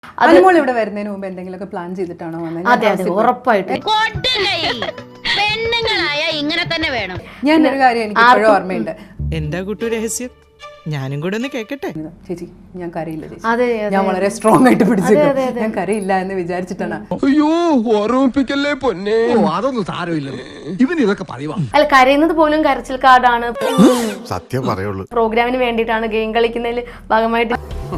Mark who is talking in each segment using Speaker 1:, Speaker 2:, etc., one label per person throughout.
Speaker 1: അനുമോൾ ഇവിടെ വരുന്നതിന് മുമ്പ് എന്തെങ്കിലുമൊക്കെ പ്ലാൻ ചെയ്തിട്ടാണോ വന്നത്?
Speaker 2: അതെ അതെ ഉറപ്പായിട്ട്.
Speaker 3: പെണ്ണുങ്ങളായ ഇങ്ങനെ തന്നെ വേണം.
Speaker 1: ഞാൻ ഒരു കാര്യം എനിക്ക് ഇപ്പോഴും ഓർമ്മയുണ്ട്.
Speaker 4: എന്താ കൂട്ടു രഹസ്യം? ഞാനും കൂടെ ഒന്ന് കേക്കട്ടെ.
Speaker 1: ചേച്ചി ഞാൻ കരയില്ല ചേച്ചി.
Speaker 2: അതെ
Speaker 1: ഞാൻ വളരെ സ്ട്രോങ് ആയിട്ട് പിടിച്ചിരുന്നു. ഞാൻ കരയില്ല എന്ന് വിചാരിച്ചിട്ടാണ്.
Speaker 5: അയ്യോ ഓർമ്മിപ്പിക്കല്ലേ പൊന്നെ. അതൊന്നും സാരമില്ല, ഇവൻ ഇതൊക്കെ പറയുവാ.
Speaker 2: അല്ല, കരയുന്നത് പോലും കരച്ചിൽ കാർഡാണ്.
Speaker 6: സത്യം പറയുള്ളൂ.
Speaker 2: പ്രോഗ്രാമിന് വേണ്ടിയിട്ടാണ് ഗെയിം കളിക്കുന്നതിൽ ഭാഗമായിട്ട്.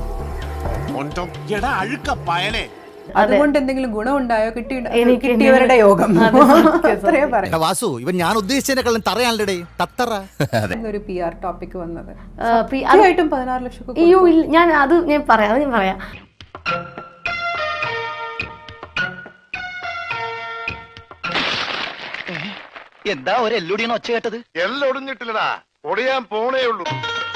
Speaker 1: അതുകൊണ്ട് എന്തെങ്കിലും ഗുണമുണ്ടായോ? കിട്ടിയവരുടെ യോഗം. അത്രേ പറയാം.
Speaker 6: വാസു, ഇവൻ ഞാൻ ഉദ്ദേശിച്ചതിനെക്കാളും തറയാണല്ലേ തത്തറ.
Speaker 1: ഒരു PR ടോപ്പിക് വന്നത്
Speaker 2: അതായിട്ടും
Speaker 1: 16 ലക്ഷം.
Speaker 2: അയ്യോ ഇല്ല, ഞാൻ പറയാം.
Speaker 7: എന്താ ഒരു എല്ലൊടിയാണ് ഒച്ച കേട്ടത്?
Speaker 8: എല്ലാം ഒടിഞ്ഞിട്ടില്ലടാ, ഒടിയാൻ പോണേ ഉള്ളൂ.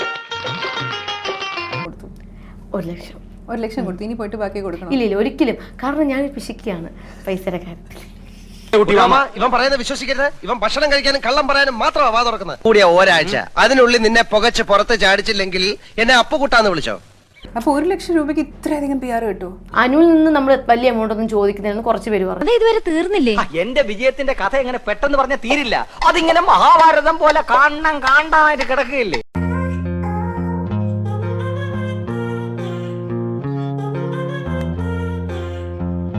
Speaker 2: 1 ലക്ഷം
Speaker 1: കൊടുത്തു. ഇനി പോയിട്ട് ബാക്കി കൊടുക്കണം.
Speaker 2: ഇല്ല ഒരിക്കലും. കാരണം ഞാൻ പിശിക്കുകയാണ് പൈസയുടെ കാര്യത്തിൽ.
Speaker 7: ഇവൻ പറയുന്നത് വിശ്വസിക്കരുത്. ഇവൻ ഭക്ഷണം കഴിക്കാനും കള്ളം പറയാനും മാത്രമാണ് വാ തുറക്കുന്നത്. കൂടിയ ഒരാഴ്ച അതിനുള്ളിൽ നിന്നെ പുകച്ച് പുറത്ത് ചാടിച്ചില്ലെങ്കിൽ എന്നെ അപ്പുകൂട്ടാന്ന് വിളിച്ചോ.
Speaker 1: അപ്പൊ 1 ലക്ഷം രൂപയ്ക്ക് ഇത്രയധികം PR കിട്ടുമോ?
Speaker 2: അനുവിൽ നിന്ന് നമ്മൾ വലിയ എമൗണ്ട് ഒന്നും ചോദിക്കുന്നതെന്ന് കുറച്ച് പേര് പറഞ്ഞു.
Speaker 3: ഇതുവരെ തീർന്നില്ലേ?
Speaker 7: എന്റെ വിജയത്തിന്റെ കഥ എങ്ങനെ പെട്ടെന്ന് പറഞ്ഞാൽ തീരില്ല. അതിങ്ങനെ മഹാഭാരതം പോലെ കാണാനായിട്ട് കിടക്കുകയില്ലേ.